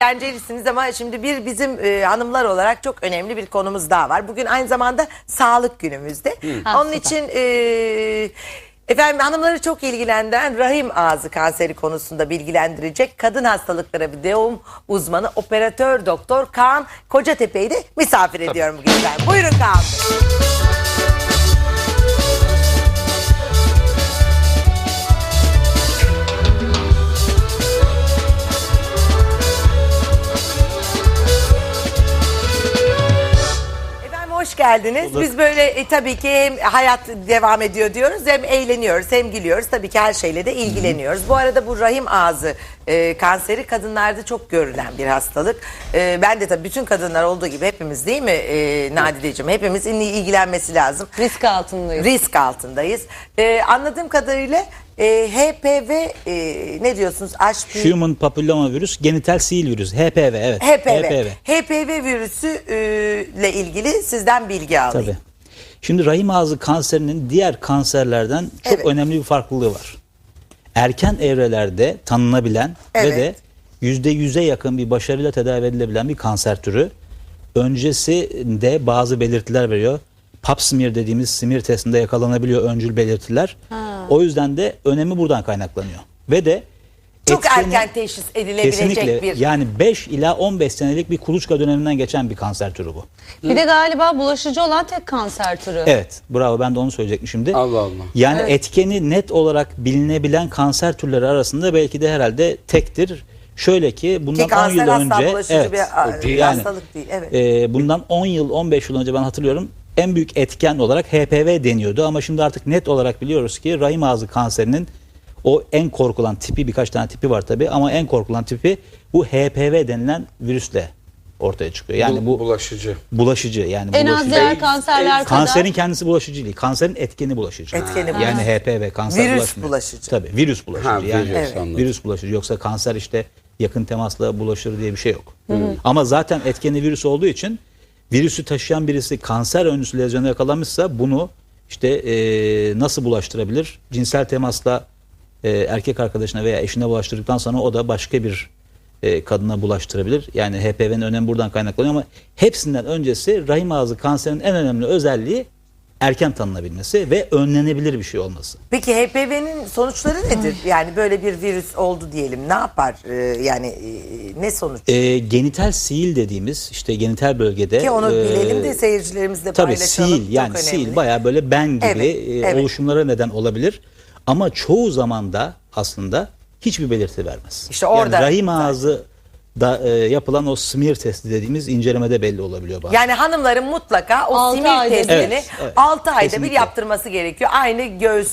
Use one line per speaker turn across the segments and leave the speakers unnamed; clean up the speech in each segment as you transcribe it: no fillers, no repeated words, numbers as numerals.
eğlencelisiniz ama şimdi bizim hanımlar olarak çok önemli bir konumuz daha var. Bugün aynı zamanda sağlık günümüzde. Onun için efendim hanımları çok ilgilendiren rahim ağzı kanseri konusunda bilgilendirecek kadın hastalıkları ve doğum uzmanı operatör doktor Kaan Kocatepe'yi de misafir ediyorum bugün ben. Buyurun Kaan Bey. Hoş geldiniz. Biz böyle tabii ki hem hayat devam ediyor diyoruz, hem eğleniyoruz, hem gülüyoruz. Tabii ki her şeyle de ilgileniyoruz. Bu arada bu rahim ağzı kanseri kadınlarda çok görülen bir hastalık. Ben de tabii bütün kadınlar olduğu gibi hepimiz, değil mi Nadideciğim? Hepimizin ilgilenmesi lazım.
Risk altındayız.
Risk altındayız. Anladığım kadarıyla HPV ne diyorsunuz?
Human Papilloma Virüs, genital sil virüsü. HPV, evet.
HPV virüsü ile ilgili sizden bilgi alayım.
Tabii. Şimdi rahim ağzı kanserinin diğer kanserlerden çok önemli bir farklılığı var. Erken evrelerde tanınabilen ve de %100'e yakın bir başarıyla tedavi edilebilen bir kanser türü. Öncesinde bazı belirtiler veriyor. Pap smear dediğimiz smear testinde yakalanabiliyor öncül belirtiler. O yüzden de önemi buradan kaynaklanıyor. Ve de
çok erken teşhis edilebilecek
kesinlikle,
bir...
Yani 5 ila 15 senelik bir kuluçka döneminden geçen bir kanser türü bu.
Bir de galiba bulaşıcı olan tek kanser türü.
Evet, bravo, ben de onu söyleyecektim şimdi.
Allah Allah.
Yani etkeni net olarak bilinebilen kanser türleri arasında belki de herhalde tektir. Şöyle ki bundan 10 yıl önce
bir hastalık değil.
Bundan 10 yıl 15 yıl önce ben hatırlıyorum en büyük etken olarak HPV deniyordu ama şimdi artık net olarak biliyoruz ki rahim ağzı kanserinin o en korkulan tipi, birkaç tane tipi var tabi ama en korkulan tipi bu HPV denilen virüsle ortaya çıkıyor. Yani bu bulaşıcı yani
en az diğer kanserler kadar.
Kanserin kendisi bulaşıcı değil. Kanserin etkeni bulaşıcı. Yani HPV kanser
virüs bulaşıcı.
Tabii virüs bulaşıcı.
Yani
virüs bulaşıcı. Yoksa kanser işte yakın temasla bulaşır diye bir şey yok. Ama zaten etkeni virüs olduğu için virüsü taşıyan birisi kanser öncüsü lezyona yakalanmışsa bunu işte nasıl bulaştırabilir? Cinsel temasla erkek arkadaşına veya eşine bulaştırdıktan sonra o da başka bir kadına bulaştırabilir. Yani HPV'nin önemi buradan kaynaklanıyor ama hepsinden öncesi rahim ağzı kanserinin en önemli özelliği erken tanınabilmesi ve önlenebilir bir şey olması.
Peki HPV'nin sonuçları nedir? Yani böyle bir virüs oldu diyelim. Ne yapar? Yani ne sonuç?
Genital sil dediğimiz işte genital bölgede.
Ki onu bilelim de seyircilerimizle paylaşalım.
Tabii sil, yani sil bayağı böyle ben gibi oluşumlara neden olabilir. Ama çoğu zaman da aslında hiçbir belirti vermez.
İşte orada
yani rahim ağzı da yapılan o smear testi dediğimiz incelemede belli olabiliyor bazen.
Yani hanımların mutlaka o smear testini 6 ayda
kesinlikle
bir yaptırması gerekiyor. Aynı göğüs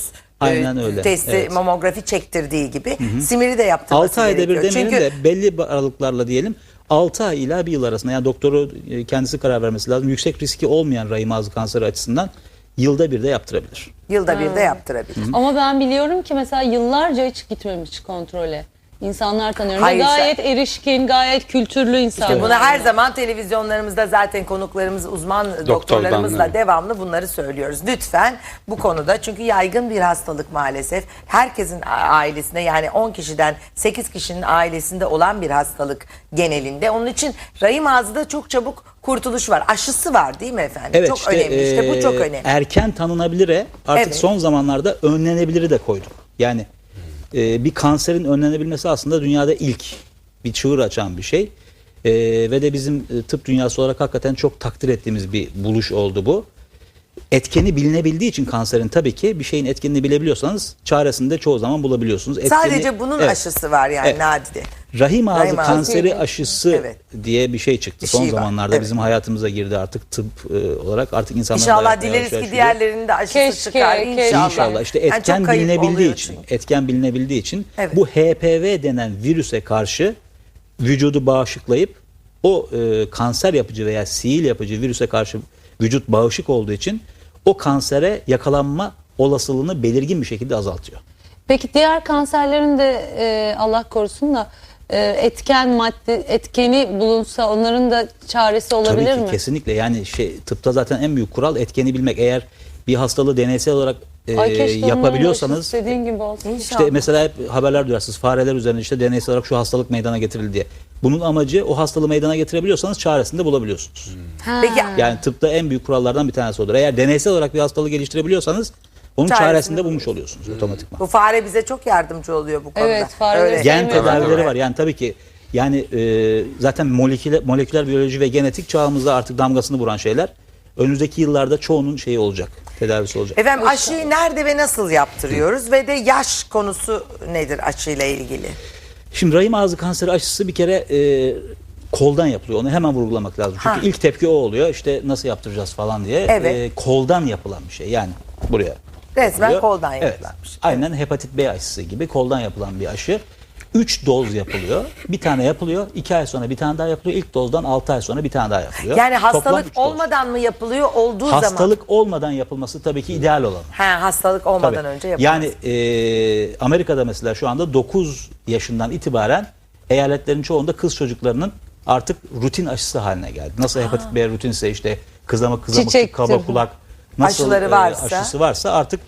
testi mamografi çektirdiği gibi smear'i de yaptırması
6 ayda
gerekiyor.
bir demeyelim de belli aralıklarla diyelim 6 ay ila 1 yıl arasında, yani doktoru kendisi karar vermesi lazım. Yüksek riski olmayan rahim ağzı kanseri açısından yılda bir de yaptırabilir.
Yılda bir de yaptırabilir.
Ama ben biliyorum ki mesela yıllarca hiç gitmemiş kontrole. İnsanlar tanıyorum. Ve gayet erişkin, gayet kültürlü insanlar.
İşte bunu her zaman televizyonlarımızda zaten konuklarımız, uzman doktorlarımızla devamlı bunları söylüyoruz. Lütfen bu konuda, çünkü yaygın bir hastalık maalesef. Herkesin ailesinde, yani 10 kişiden 8 kişinin ailesinde olan bir hastalık genelinde. Onun için rahim ağzında çok çabuk kurtuluş var. Aşısı var değil mi efendim?
Evet,
çok önemli. İşte bu çok önemli.
Erken tanınabilire artık son zamanlarda önlenebiliri de koyduk. Yani bir kanserin önlenebilmesi aslında dünyada ilk bir çığır açan bir şey. Ve de bizim tıp dünyası olarak hakikaten çok takdir ettiğimiz bir buluş oldu bu. Etkeni bilinebildiği için kanserin, tabii ki bir şeyin etkenini bilebiliyorsanız çaresini de çoğu zaman bulabiliyorsunuz.
Sadece bunun aşısı var yani Nadide.
Rahim ağzı kanseri aşısı diye bir şey çıktı. Son zamanlarda bizim hayatımıza girdi artık tıp olarak. Artık insanlar
İnşallah dileriz ki diğerlerinin de aşısı çıkar.
İnşallah. İşte etken bilinebildiği için bu HPV denen virüse karşı vücudu bağışıklayıp o kanser yapıcı veya sil yapıcı virüse karşı vücut bağışık olduğu için o kansere yakalanma olasılığını belirgin bir şekilde azaltıyor.
Peki diğer kanserlerin de Allah korusun da etkeni bulunsa onların da çaresi olabilir mi?
Tabii ki, kesinlikle. Yani tıpta zaten en büyük kural etkeni bilmek. Eğer bir hastalığı deneysel olarak yapabiliyorsanız,
gibi olsun.
işte mesela hep haberler duyarsınız, fareler üzerinde işte deneysel olarak şu hastalık meydana getirildi diye. Bunun amacı o hastalığı meydana getirebiliyorsanız çaresini de bulabiliyorsunuz.
Peki
Yani tıpta en büyük kurallardan bir tanesi odur. Eğer deneysel olarak bir hastalığı geliştirebiliyorsanız onun çaresini de bulmuş oluyorsunuz otomatikman.
bu fare bize çok yardımcı oluyor bu konuda.
Evet, fareleri
Öyle.
Gen
sevmiyorum.
tedavileri var. Yani tabii ki yani zaten moleküler biyoloji ve genetik çağımızda artık damgasını vuran şeyler. Önümüzdeki yıllarda çoğunun şeyi olacak. Tedavisi olacak.
Efendim aşıyı nerede ve nasıl yaptırıyoruz ve de yaş konusu nedir aşıyla ilgili?
Şimdi rahim ağzı kanseri aşısı bir kere koldan yapılıyor. Onu hemen vurgulamak lazım. Çünkü
Ha.
ilk tepki o oluyor. İşte nasıl yaptıracağız falan diye.
Evet.
Koldan yapılan bir şey. Yani buraya.
Resmen
oluyor.
koldan
Evet.
yapılanmış.
Aynen hepatit B aşısı gibi koldan yapılan bir aşı. 3 doz yapılıyor. Bir tane yapılıyor. 2 ay sonra bir tane daha yapılıyor. İlk dozdan 6 ay sonra bir tane daha yapılıyor.
Yani
Toplam
hastalık
3 doz.
olmadan mı yapılıyor, olduğu zaman?
Hastalık olmadan yapılması tabii ki ideal olan.
Hastalık olmadan
Tabii.
önce yapılıyor.
Yani Amerika'da mesela şu anda 9 yaşından itibaren eyaletlerin çoğunda kız çocuklarının artık rutin aşısı haline geldi. Nasıl hepatit B rutinse işte kızamık,
Çiçektir.
kaba kulak nasıl
Aşıları varsa.
aşısı varsa artık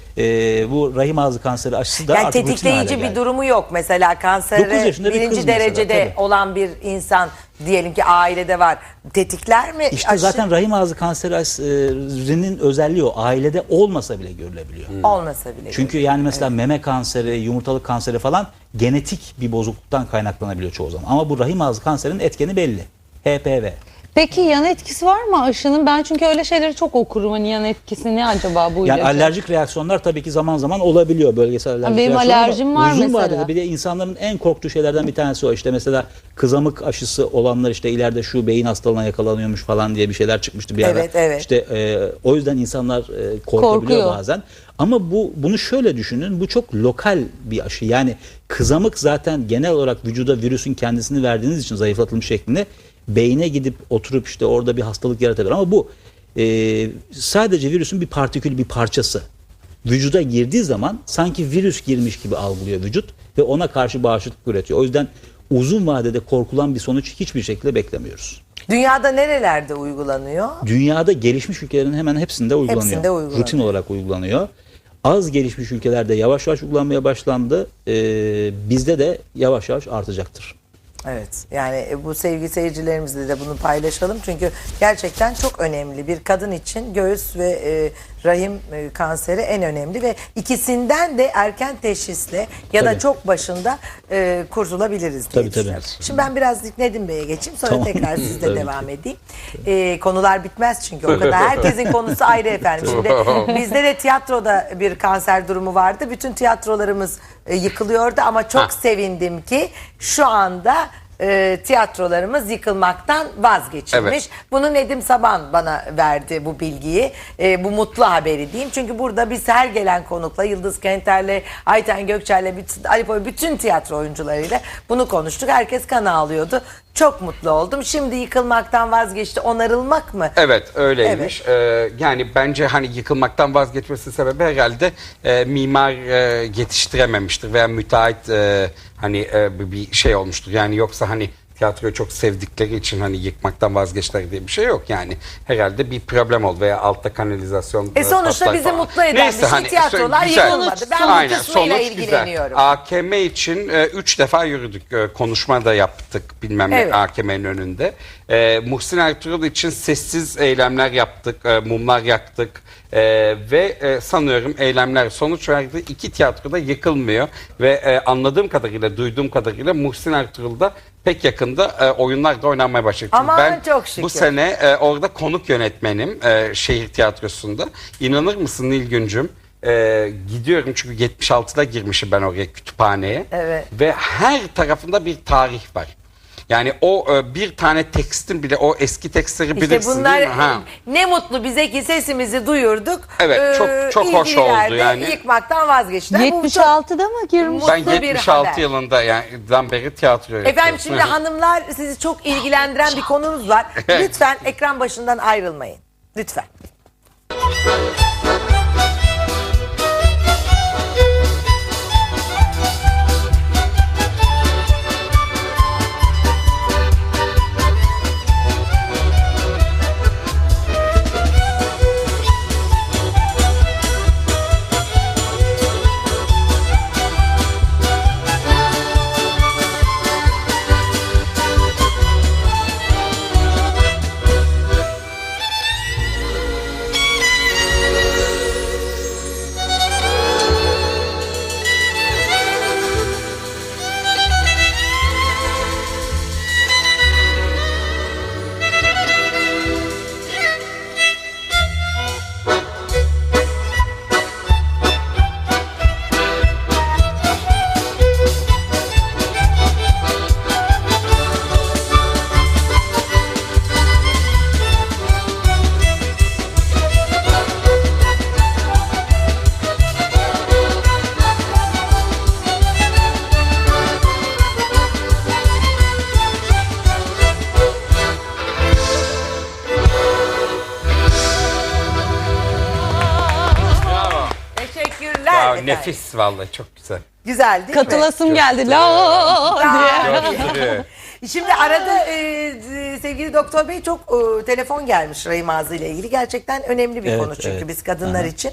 bu rahim ağzı kanseri aşısı da
Yani
artık rutin hale
tetikleyici
geldi.
bir durumu yok. Mesela
9
kansere
yaşında bir kız
birinci
mesela,
derecede
tabii.
olan bir insan diyelim ki ailede var. Tetikler mi?
İşte
aşı?
zaten rahim ağzı kanseri aşısının özelliği o. Ailede olmasa bile görülebiliyor.
Olmasa bile.
Çünkü yani mesela meme kanseri, yumurtalık kanseri falan genetik bir bozukluktan kaynaklanabiliyor çoğu zaman. Ama bu rahim ağzı kanserinin etkeni belli. HPV.
Peki yan etkisi var mı aşının? Ben çünkü öyle şeyleri çok okurum. Hani yan etkisi ne acaba bu
Yani
ilacın?
alerjik reaksiyonlar tabii ki zaman zaman olabiliyor, bölgesel alerjik
Benim
reaksiyonlar. Ama
alerjim var
uzun
mesela.
vadede bir de insanların en korktuğu şeylerden bir tanesi o. İşte mesela kızamık aşısı olanlar işte ileride şu beyin hastalığına yakalanıyormuş falan diye bir şeyler çıkmıştı bir ara.
Evet, evet.
İşte o yüzden insanlar korkabiliyor
Korkuyor.
bazen. Ama bunu şöyle düşünün, bu çok lokal bir aşı. Yani kızamık zaten genel olarak vücuda virüsün kendisini verdiğiniz için zayıflatılmış şeklinde beyne gidip oturup işte orada bir hastalık yaratabilir. Ama bu sadece virüsün bir partikül, bir parçası. Vücuda girdiği zaman sanki virüs girmiş gibi algılıyor vücut ve ona karşı bağışıklık üretiyor. O yüzden uzun vadede korkulan bir sonuç hiçbir şekilde beklemiyoruz.
Dünyada nerelerde uygulanıyor?
Dünyada gelişmiş ülkelerin hemen hepsinde uygulanıyor.
Hepsinde uygulanıyor.
Rutin olarak uygulanıyor. Az gelişmiş ülkelerde yavaş yavaş uygulanmaya başlandı. Bizde de yavaş yavaş artacaktır.
Evet, yani bu sevgili seyircilerimizle de bunu paylaşalım. Çünkü gerçekten çok önemli. Bir kadın için göğüs ve rahim kanseri en önemli ve ikisinden de erken teşhisle ya da
Tabii.
çok başında kurtulabiliriz diye
Tabii,
düşünüyorum.
tabii.
Şimdi ben biraz Nedim Bey'e geçeyim, sonra
Tamam.
tekrar sizle
Tabii
devam edeyim. Konular bitmez çünkü o kadar. Herkesin konusu ayrı efendim. Şimdi bizde de tiyatroda bir kanser durumu vardı. Bütün tiyatrolarımız yıkılıyordu ama çok sevindim ki şu anda tiyatrolarımız yıkılmaktan vazgeçilmiş.
Evet.
Bunu Nedim Saban bana verdi bu bilgiyi. Bu mutlu haberi diyeyim. Çünkü burada biz her gelen konukla Yıldız Kenter'le, Ayten Gökçer'le, Ali Poy, bütün tiyatro oyuncularıyla bunu konuştuk. Herkes kan ağlıyordu. Çok mutlu oldum. Şimdi yıkılmaktan vazgeçti. Onarılmak mı?
Evet öyleymiş. Yani bence hani yıkılmaktan vazgeçmesinin sebebi herhalde mimar yetiştirememiştir veya müteahhit hani bir şey olmuştur. Yani yoksa hani tiyatroyu çok sevdikleri için hani yıkmaktan vazgeçtiler diye bir şey yok yani. Herhalde bir problem oldu veya altta kanalizasyon
Sonuçta
patlak
bizi
falan.
mutlu eden bir şey, tiyatrolar
güzel.
yıkılmadı. Ben bu
Aynen,
kısmıyla
sonuç
ilgileniyorum.
Güzel. AKM için 3 defa yürüdük. Konuşma da yaptık bilmem ne
Evet.
AKM'nin önünde. Muhsin Ertuğrul için sessiz eylemler yaptık. Mumlar yaktık. Ve sanıyorum eylemler sonuç verdi. 2 tiyatroda yıkılmıyor. Ve anladığım kadarıyla, duyduğum kadarıyla Muhsin Ertuğrul'da pek yakında oyunlar da oynanmaya başladı. Çünkü
Aman
ben
çok şükür.
bu sene orada konuk yönetmenim şehir tiyatrosunda. İnanır mısın Nilgüncüm? Gidiyorum çünkü 76'da girmişim ben oraya kütüphaneye.
Evet.
Ve her tarafında bir tarih var. Yani o bir tane tekstin bile o eski tekstleri
İşte
bilirsin
bunlar
değil mi? Ha.
ne mutlu bize ki sesimizi duyurduk.
Evet, çok hoş oldu
ilgililer de
yani.
Yıkmaktan vazgeçtiler. Bu çok
76'da mı girmiş?
mutlu
Ben
bir
76
haber.
yılında yani beri tiyatro yapıyorum.
Efendim şimdi hanımlar sizi çok ilgilendiren bir konunuz var. Lütfen ekran başından ayrılmayın. Lütfen. efendim.
nefis vallahi, çok güzel.
Güzel değil mi?
Katılasım geldi. La diye.
Gösteri.
Şimdi arada sevgili doktor bey çok telefon gelmiş rahim ağzı ile ilgili. Gerçekten önemli bir
Evet,
konu çünkü
evet.
biz kadınlar için.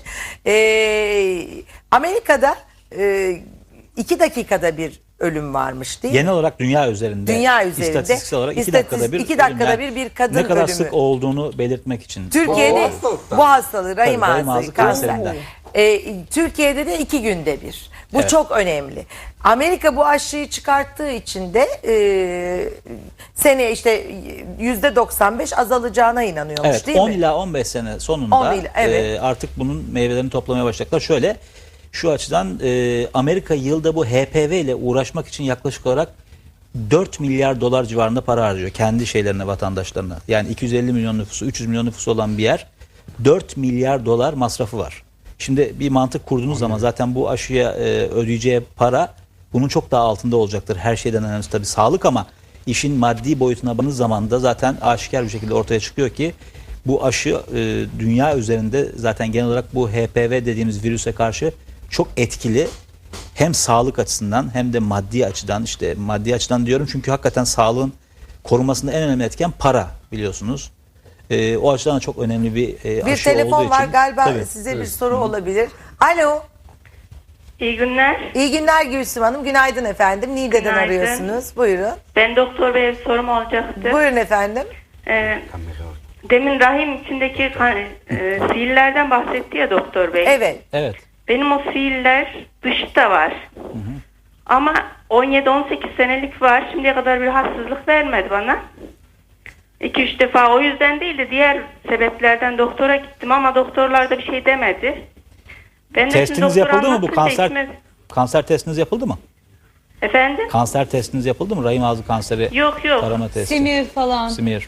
Amerika'da 2 dakikada bir ölüm varmış değil mi?
Genel olarak dünya üzerinde.
Dünya üzerinde.
İstatistiksel olarak 2 dakikada bir.
2 dakikada
ölüm.
bir kadın
ne kadar
ölümü.
sık olduğunu belirtmek için.
Türkiye'de
hastalıktan.
bu hastalığı rahim
Tabii, rahim
ağzı
ağzı
kanser.
kanserinden.
Türkiye'de de 2 günde bir. Bu
Evet.
çok önemli. Amerika bu aşıyı çıkarttığı için de seneye işte %95 azalacağına inanıyormuş
Evet,
değil
10
mi?
ila 15 sene sonunda
10 ila, evet.
artık bunun meyvelerini toplamaya başlayacaklar. Şöyle, şu açıdan Amerika yılda bu HPV ile uğraşmak için yaklaşık olarak 4 milyar dolar civarında para harcıyor kendi şeylerine, vatandaşlarına. Yani 250 milyon nüfusu, 300 milyon nüfusu olan bir yer 4 milyar dolar masrafı var. Şimdi bir mantık kurduğunuz zaman zaten bu aşıya ödeyeceği para bunun çok daha altında olacaktır. Her şeyden önemlisi tabii sağlık, ama işin maddi boyutuna baktığınız zaman da zaten aşikar bir şekilde ortaya çıkıyor ki bu aşı dünya üzerinde zaten genel olarak bu HPV dediğimiz virüse karşı çok etkili. Hem sağlık açısından hem de maddi açıdan, işte maddi açıdan diyorum çünkü hakikaten sağlığın korunmasında en önemli etken para, biliyorsunuz. O açıdan da çok önemli bir
Bir
aşı
telefon
olduğu
var
için.
galiba,
Tabii.
size bir soru olabilir. Alo.
İyi günler.
İyi günler Gülsüm Hanım. Günaydın efendim. Niğde'den
Günaydın.
arıyorsunuz. Buyurun.
Ben doktor beye bir sorum olacaktı.
Buyurun efendim.
Demin rahim içindeki siillerden bahsetti ya doktor bey.
Evet.
Evet.
Benim o siiller dışta var. Ama 17-18 senelik var. Şimdiye kadar bir hastalık vermedi bana. 2-3 defa o yüzden değil de diğer sebeplerden doktora gittim ama doktorlar da bir şey demedi. Ben de şimdi
Testiniz
doktora
yapıldı mı bu
anlatınca
kanser?
içime-
Kanser testiniz yapıldı mı?
Efendim?
Kanser testiniz yapıldı mı? Rahim ağzı kanseri
Yok.
tarama testi.
Simir falan.
Simir.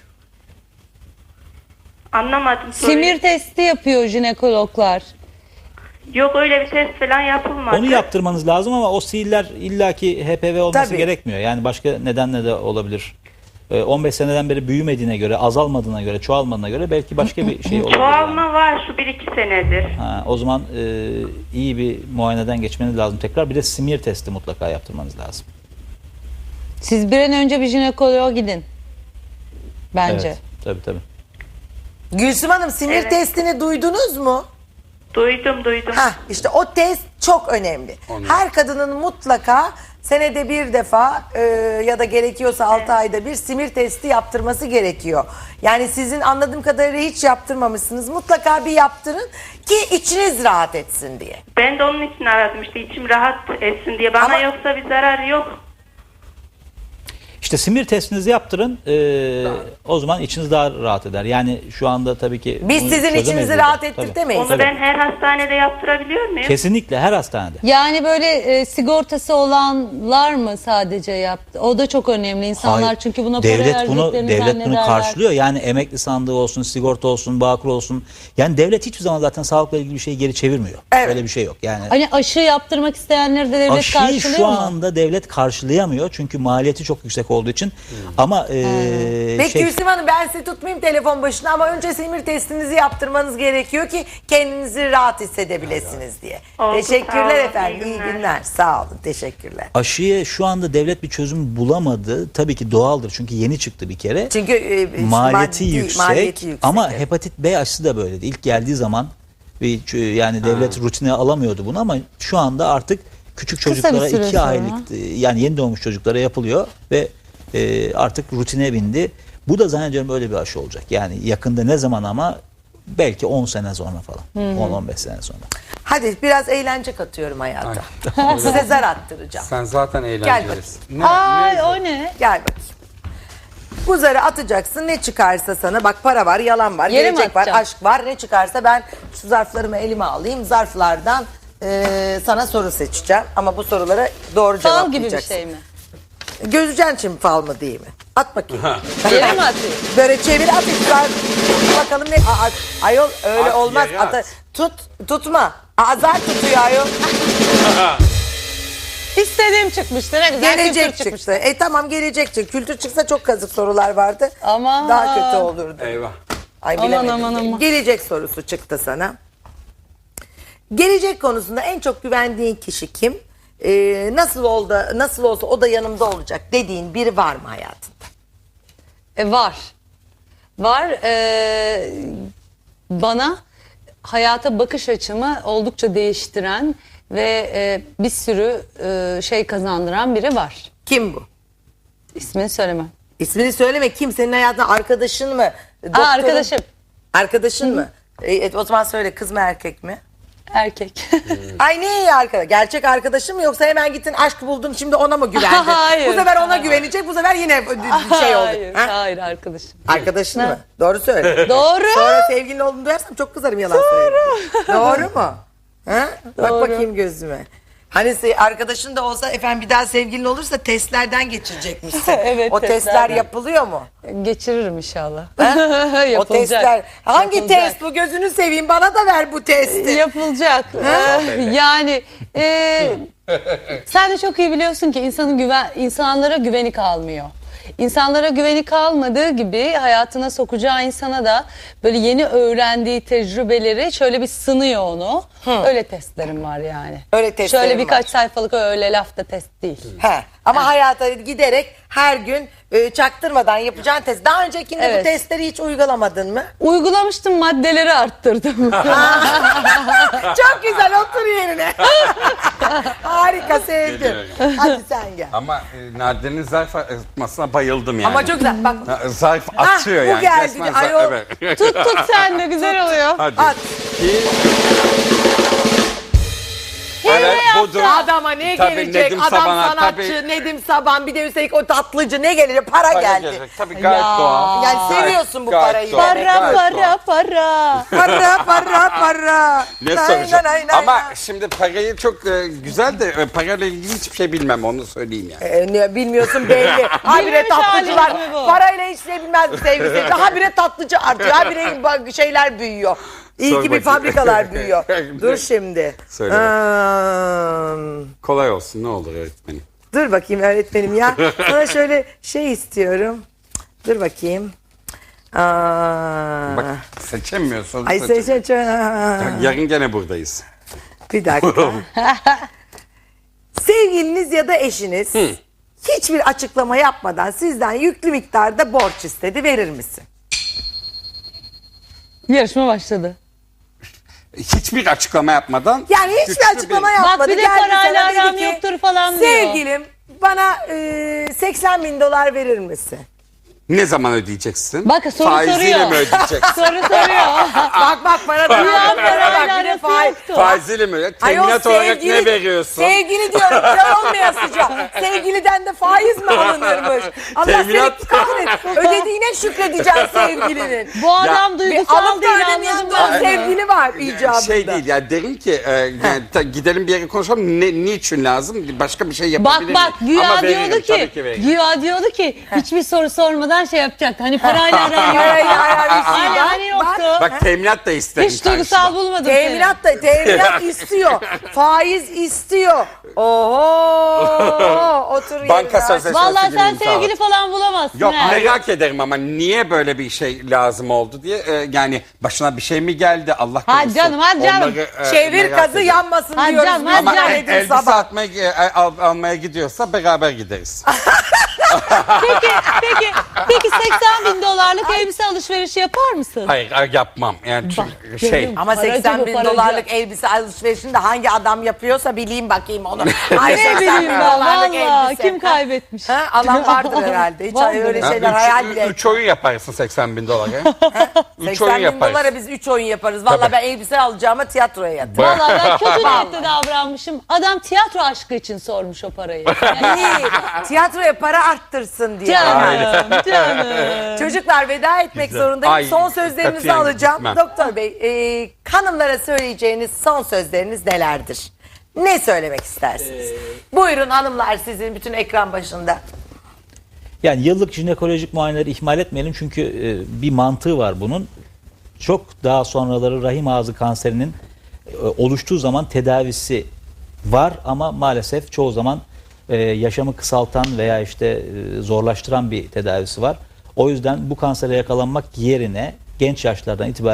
Anlamadım soruyu.
Simir testi yapıyor jinekologlar.
Yok, öyle bir test falan yapılmadı.
Onu yaptırmanız lazım ama o siiller illaki HPV olması
Tabii.
gerekmiyor. Yani başka nedenle de olabilir. 15 seneden beri büyümediğine göre, azalmadığına göre, çoğalmadığına göre belki başka bir şey olabilir.
Çoğalma
yani.
var şu 1-2 senedir.
O zaman iyi bir muayeneden geçmeniz lazım tekrar. Bir de simir testi mutlaka yaptırmanız lazım.
Siz bir an önce bir jinekoloğa gidin. Bence.
Evet, tabii.
Gülsüm Hanım, simir
Evet.
testini duydunuz mu?
Duydum.
İşte o test çok önemli. Her kadının mutlaka senede bir defa ya da gerekiyorsa 6 ayda bir simir testi yaptırması gerekiyor. Yani sizin anladığım kadarıyla hiç yaptırmamışsınız. Mutlaka bir yaptırın ki içiniz rahat etsin diye.
Ben de onun için aradım işte, içim rahat etsin diye. Bana
Ama-
yoksa bir zararı yok.
İşte simir testinizi yaptırın. O zaman içiniz daha rahat eder. Yani şu anda tabii ki
Biz
bunu
sizin
çözemeyiz
içinizi
burada.
rahat
Tabii.
ettirtemeyiz.
Onu
Tabii.
ben her hastanede yaptırabiliyor muyum?
Kesinlikle her hastanede.
Yani böyle sigortası olanlar mı sadece yaptı? O da çok önemli. İnsanlar
Hayır.
çünkü buna para
devlet bunu
verdiklerini zannederler.
karşılıyor. Yani emekli sandığı olsun, sigorta olsun, Bağkur olsun. Yani devlet hiçbir zaman zaten sağlıkla ilgili bir şeyi geri çevirmiyor.
Evet.
Öyle bir şey yok. Yani
Hani aşı yaptırmak isteyenleri de devlet
aşıyı
karşılıyor
şu
mu?
anda devlet karşılayamıyor çünkü maliyeti çok yüksek olduğu için. Ama
Peki Gülsüm Hanım, ben sizi tutmayayım telefon başına ama önce simir testinizi yaptırmanız gerekiyor ki kendinizi rahat hissedebilirsiniz diye.
Oldu, sağ
Teşekkürler
olun,
efendim.
iyi
İyi
günler.
günler. Sağ olun. Teşekkürler.
aşıya şu anda devlet bir çözüm bulamadı. Tabii ki doğaldır çünkü yeni çıktı bir kere.
Çünkü
Maliyeti yüksek,
maliyeti yüksek.
ama hepatit B aşısı da böyleydi. İlk geldiği zaman yani devlet rutine alamıyordu bunu ama şu anda artık küçük
Kısa bir
çocuklara
süre
2
sonra.
aylık yani yeni doğmuş çocuklara yapılıyor ve artık rutine bindi. Bu da zannediyorum öyle bir aşı olacak. Yani yakında ne zaman ama belki 10 sene sonra falan. 10-15 sene sonra.
Hadi biraz eğlence katıyorum hayata. Size zar attıracağım.
Sen zaten eğlencelisin.
Ay o ne?
Gel bakayım. Bu zarı atacaksın, ne çıkarsa sana, bak para var, yalan var,
Yere mi
gelecek var,
atacağım?
aşk var, ne çıkarsa ben şu zarflarımı elime alayım, zarflardan sana soru seçeceğim ama bu sorulara doğru
Fal gibi bir
cevaplayacaksın.
şey mi?
Gözeceksin şimdi fal mı değil mi? At bakayım.
Yere mi atayım?
Böyle çevir, at zar. Bakalım ne? Ayol öyle
At,
olmaz.
yere at.
Tutma. Zar tutuyor ayol.
İstediğim çıkmıştı. Ne güzel
Gelecek
kültür çıkmıştı.
çıktı. Tamam, gelecek çıktı. Kültür çıksa çok kazık sorular vardı.
Aman.
Daha kötü olurdu.
Eyvah.
Ay
Aman,
bilemedim.
aman, aman.
Gelecek sorusu çıktı sana. Gelecek konusunda en çok güvendiğin kişi kim? Nasıl olsa o da yanımda olacak dediğin biri var mı hayatında?
Var. Var. Bana hayata bakış açımı oldukça değiştiren ve bir sürü şey kazandıran biri var.
Kim bu?
İsmini söylemem.
İsmini söyleme. Kim? Senin hayatında arkadaşın mı? Doktorun-
Arkadaşım.
Arkadaşın mı? O zaman söyle, kız mı erkek mi?
Erkek.
Ay ne iyi arkadaş. Gerçek arkadaşın mı, yoksa hemen gittin aşk buldun şimdi ona mı güvendin?
Hayır.
Bu sefer ona güvenecek, bu sefer yine bir şey oldu.
Hayır,
Ha?
hayır arkadaşım.
Arkadaşın mı? Doğru söyle.
Doğru.
Sonra sevgilin olduğunu duyarsam çok kızarım, yalan söyleyeyim. Doğru mu? Ha? Bak
Doğru.
bakayım gözüme. Hani arkadaşın da olsa efendim bir daha sevgilin olursa testlerden geçirecekmişsin.
Evet,
O testler
testlerden.
yapılıyor mu?
Geçiririm inşallah.
O
Yapılacak.
testler. Hangi
Yapılacak.
test bu, gözünü seveyim, bana da ver bu testi.
Yapılacak. Yani sen de çok iyi biliyorsun ki insanlara güveni kalmıyor. İnsanlara güveni kalmadığı gibi hayatına sokacağı insana da böyle yeni öğrendiği tecrübeleri şöyle bir sınıyor onu. Öyle testlerim var yani.
Öyle testlerim
Şöyle birkaç
var.
sayfalık öyle lafta test değil.
He. Ama hayata giderek her gün çaktırmadan yapacağın test. Daha öncekinde bu
Evet.
testleri hiç uygulamadın mı?
Uygulamıştım, maddeleri arttırdım.
Çok güzel, otur yerine. Harika, sevdim. Hadi sen gel.
Ama Nadine'nin zarf atmasına bayıldım yani.
Ama çok güzel. Bak,
Ha, zarf atıyor
bu
yani.
geldi.
Resmen
Ay, o-
evet.
Tut sen de güzel oluyor.
Hadi.
at.
Evet, budur.
Adama ne
Tabii
gelecek?
Nedim
Adam
Saban'a,
sanatçı,
tabii.
Nedim Saban, bir de üstelik o tatlıcı, ne gelecek? Para geldi.
Tabii gayet
Ya.
doğal.
Yani
Gayet-
seviyorsun bu
gayet
parayı
doğal,
demek.
Para
gayet doğal.
para.
Para.
Ne
Nay,
soracağım?
nay, nay,
Ama
nay.
şimdi parayı çok güzel de parayla ilgili hiçbir şey bilmem, onu söyleyeyim yani.
Ne bilmiyorsun belli. Habire
Bilmemiş
tatlıcılar.
haliniz mi bu?
Parayla hiç şey bilmez mi sevgili seyirci? Habire tatlıcı artıyor. Habire şeyler büyüyor. İyi
Sor
ki bir
bakayım.
fabrikalar büyüyor. Dur şimdi.
Söyle Kolay olsun, ne olur öğretmenim.
Dur bakayım öğretmenim ya. Sana şöyle şey istiyorum. Dur bakayım.
Bak seçemiyorsun.
Ay
Yarın gene buradayız.
Bir dakika. Sevgiliniz ya da eşiniz hiçbir açıklama yapmadan sizden yüklü miktarda borç istedi, verir misin?
Yarışma başladı.
Hiçbir açıklama yapmadan.
Yani hiçbir
güçlü
açıklama
bir-
yapmadı.
Bak bir de
Geldi
parayla
sana, dedi
aram
ki,
yoktur falan diyor.
Sevgilim bana 80.000 dolar verir misin?
Ne zaman ödeyeceksin?
Bak, soru
Faiziyle
soruyor.
mi ödeyeceksin?
Soru soruyor.
Bak para da
Ya parayla arası yoktu.
Faiziyle mi?
Ayol,
Teminat olarak ne veriyorsun?
Sevgili diyorum, kör olmayasıca. Sevgiliden de faiz mi alınırmış? Allah
Teminat-
seni kahretsin. Ödediğine şükredeceksin sevgilinin.
Bu adam
Bir
duygusal
alıp da
değil,
ödemeyen
anladım
de o
ben.
sevgili var icabında.
Şey değil yani, derim ki yani, gidelim bir yere konuşalım, niçin lazım, başka bir şey yapabilir
Bak
miyim? Ama
güya
veririm,
diyordu
tabii
ki,
veririm.
hiçbir soru sormadan şey yapacaktı. Hani parayla aran
Parayla
yoktu.
aran yoktu.
Hani yoktu.
Bak teminat da isterim.
Hiç duygusal bulmadım
Teminat istiyor. Faiz istiyor. Oho. Otur
Banka
yerine.
sözleşmesi
Vallahi
gibi
sen
imzalat.
sevgili falan bulamazsın.
Yok,
he.
merak ederim ama niye böyle bir şey lazım oldu diye. Yani başına bir şey mi geldi, Allah korusun.
Hadi canım, hadi canım.
Onları,
Çevir
merak
kazı
ederim.
yanmasın
Hadi
diyoruz.
canım,
biz.
hadi
Ama
canım.
Nedim
elbise
Sabah.
almaya gidiyorsa beraber gideriz.
Peki 80.000 dolarlık elbise alışverişi yapar mısın?
Hayır yapmam. Yani çünkü şey.
canım.
Ama
Paracı
80
bu,
bin
paracı.
dolarlık elbise alışverişini de hangi adam yapıyorsa bileyim bakayım onu. Ay,
Ne
80 bin
bileyim ben
dolarlık
valla,
elbise.
kim kaybetmiş?
Ha, alan vardır herhalde. Hiç
Vardır.
öyle
Ha,
şeyler hayal bile.
3 oyun yaparsın 80.000 dolara. 3
80
oyun
bin
yaparsın.
dolara biz 3 oyun yaparız. Valla
Tabii.
ben elbise alacağıma tiyatroya yatırım.
Valla ben kötü niyetle davranmışım. Adam tiyatro aşkı için sormuş o parayı. Yani,
İyi. Tiyatroya para arttırsın diye.
canım.
Çocuklar, veda etmek zorundayım.
Ay,
Son sözlerinizi
katiyen
alacağım.
gitmem.
Doktor Bey, hanımlara söyleyeceğiniz son sözleriniz nelerdir? Ne söylemek istersiniz? Buyurun hanımlar, sizin bütün ekran başında.
Yani yıllık jinekolojik muayeneleri ihmal etmeyelim çünkü bir mantığı var bunun. Çok daha sonraları rahim ağzı kanserinin oluştuğu zaman tedavisi var ama maalesef çoğu zaman yaşamı kısaltan veya işte zorlaştıran bir tedavisi var. O yüzden bu kansere yakalanmak yerine genç yaşlardan itibaren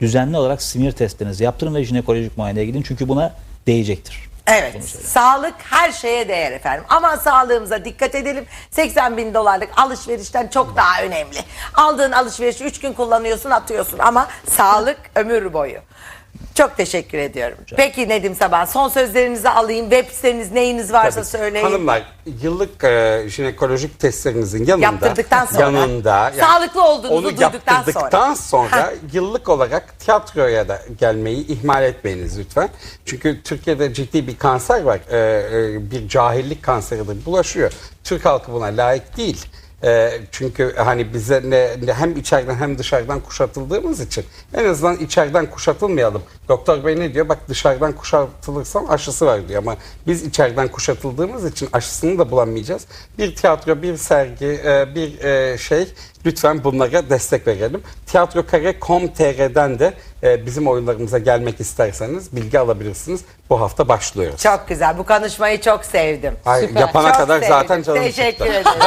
düzenli olarak simir testlerinizi yaptırın ve jinekolojik muayeneye gidin. Çünkü buna değecektir.
Evet, sağlık her şeye değer efendim. Ama sağlığımıza dikkat edelim. 80 bin dolarlık alışverişten çok daha önemli. Aldığın alışverişi 3 gün kullanıyorsun, atıyorsun ama sağlık ömür boyu. Çok teşekkür ediyorum. Peki Nedim Saban, son sözlerinizi alayım. Web siteniz, neyiniz varsa
Tabii.
söyleyin.
Hanımlar, yıllık jinekolojik testlerinizin yanında,
Yaptırdıktan sonra.
yani
Sağlıklı olduğunuzu
onu
duyduktan
yaptırdıktan sonra yıllık olarak tiyatroya da gelmeyi ihmal etmeyiniz lütfen. Çünkü Türkiye'de ciddi bir kanser var. Bir cahillik kanseridir. Bulaşıyor. Türk halkı buna layık değil. Çünkü hani bize hem içeriden hem dışarıdan kuşatıldığımız için en azından içeriden kuşatılmayalım. Doktor bey ne diyor? Bak dışarıdan kuşatılırsan aşısı var diyor ama biz içeriden kuşatıldığımız için aşısını da bulamayacağız. Bir tiyatro, bir sergi, bir lütfen bunlara destek verelim. Tiyatrokare.com.tr'den de bizim oyunlarımıza gelmek isterseniz bilgi alabilirsiniz. Bu hafta başlıyoruz.
Çok güzel. Bu konuşmayı çok sevdim.
Ay,
Süper.
yapana
Çok
kadar
sevdim.
zaten canım
Teşekkür
çıktı.
ederim.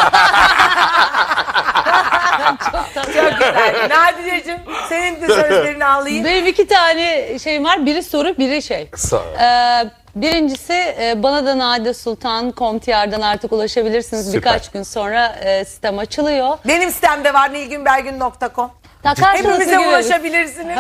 Çok güzel. Nadire'cim senin de sözlerini alayım.
Benim 2 tane şeyim var. Biri soru, biri şey.
Sonra.
Birincisi bana da nadisultan.com.tr'den artık ulaşabilirsiniz.
Süper.
Birkaç gün sonra sistem açılıyor.
Benim sitemde var nilgünbergün.com. Hepimize ulaşabilirsiniz.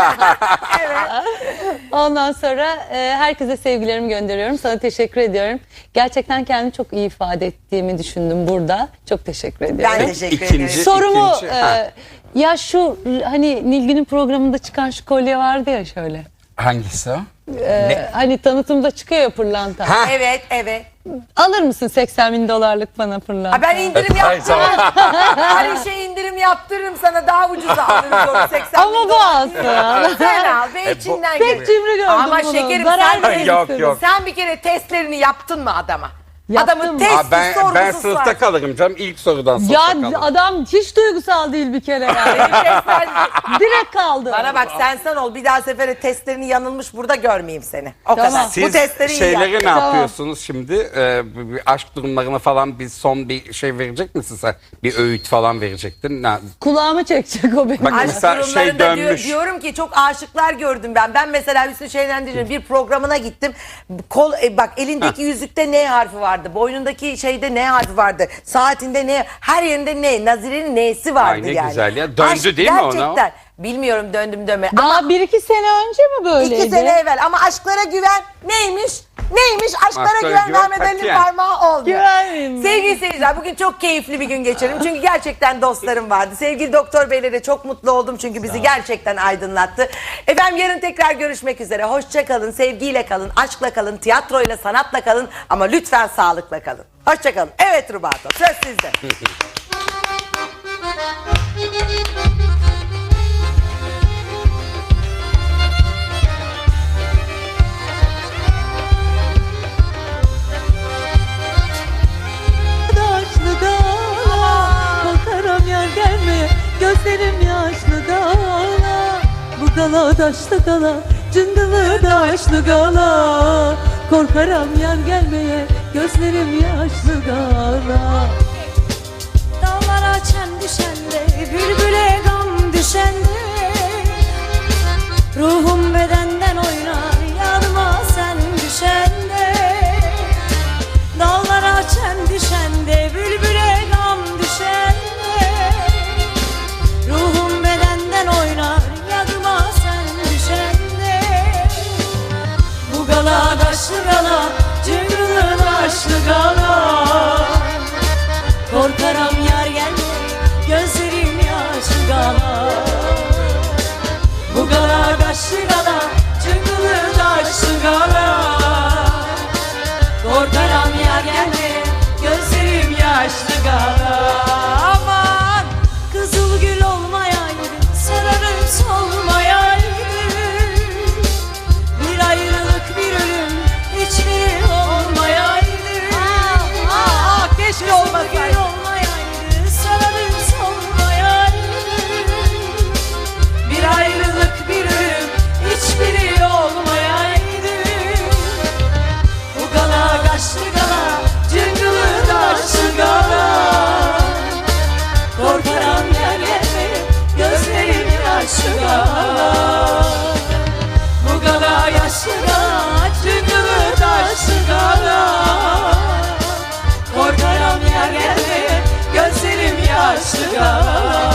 Evet.
Ondan sonra herkese sevgilerimi gönderiyorum. Sana teşekkür ediyorum. Gerçekten kendimi çok iyi ifade ettiğimi düşündüm burada. Çok teşekkür ediyorum.
Ben teşekkür
İkinci-
ederim.
Sorumu
ha.
ya şu hani Nilgün'ün programında çıkan şu kolye vardı ya şöyle.
Hangisi o?
Hani tanıtımda çıkıyor ya pırlanta.
Ha.
Evet, evet.
Alır mısın 80 bin dolarlık bana pırlanta?
Ha, ben indirim
Ay,
yaptırırım.
tamam.
Her işe indirim yaptırırım sana, daha ucuza alırız onu 80
Ama
bin
bu
dolar.
alsın.
Sen al ve içinden
Pek
gör.
cimri gördüm
Ama
bunu.
şekerim
Zarar
sen,
verir
Yok,
misiniz?
yok.
sen bir kere testlerini yaptın mı adama?
Yaptım.
Adamın testi
Ben
sorgusuz
sınıfta
var.
kalırım canım. İlk sorudan sınıfta
Ya
kalırım.
adam hiç duygusal değil bir kere yani. Direkt kaldı.
Bana bak, sen ol, bir daha sefere testlerini yanılmış burada görmeyeyim seni. O
Tamam.
kadar.
Siz
Bu testleri iyi
şeyleri
yap.
ne
Tamam.
yapıyorsunuz şimdi? Bir aşk durumlarına falan bir son bir şey verecek misin sen? Bir öğüt falan verecektin.
Kulağımı çekecek o benim.
Bak,
Aşk
mesela
durumlarında
dönmüş.
diyorum ki çok aşıklar gördüm ben. Ben mesela Hüsnü Şenlendiri'nin bir programına gittim. Bak elindeki yüzükte N harfi vardı. Boynundaki şeyde N harfi vardı. Saatinde N, her yerinde N. Nazire'nin N'si vardı
Ay, ne
yani.
güzel ya. Döndü
Aşk
değil mi ona?
gerçekten. Bilmiyorum döndüm dönme.
Daha
Ama
1-2 sene önce mi böyleydi?
2 sene evvel. Ama aşklara güven neymiş? Neymiş? Aşklara güven Mehmet Ali'nin
katiyen.
parmağı oldu.
Güvenmeyeyim.
Sevgili seyirciler, bugün çok keyifli bir gün geçirelim. Çünkü gerçekten dostlarım vardı. Sevgili doktor beyle de çok mutlu oldum. Çünkü bizi gerçekten aydınlattı. Efendim yarın tekrar görüşmek üzere. Hoşça kalın, sevgiyle kalın, aşkla kalın, tiyatroyla, sanatla kalın. Ama lütfen sağlıkla kalın. Hoşça kalın. Evet Rubato, söz sizde.
Yaşlı dağla korkarım yar gelmeye, gözlerim yaşlı dağla. Bu gala daşlı gala, cıngılı daşlı gala. Korkarım yar gelmeye, gözlerim yaşlı gala.
Dağlara çen düşende, bülbüle gam düşende, ruhum bedenden oynar, yanıma sen düşende. Dağlara çen düşende, bülbüle gam düşende, ruhum bedenden oynar, yanıma sen düşende. Bu gala daşlı gala, cıngılı daşlı gala. Korkarım yar gelme, gözlerim yaşlı gala. Bu gala daşlı gala, cıngılı daşlı gala. Korkarım yar gelme, gözlerim yaşlı gala. Aman kızıl gül olmayaydı, sararım solmayaydı. Bir ayrılık bir ölüm, hiçbiri olmayaydı.
Keşke olmasaydı.
Gül olmayaydı, sararım solmayaydı.
yaşlı gala. Bu gala yaşlı gala, cıngılı taşlı gala. Korkarım yar gelmeye, gözlerim yaşlı gala.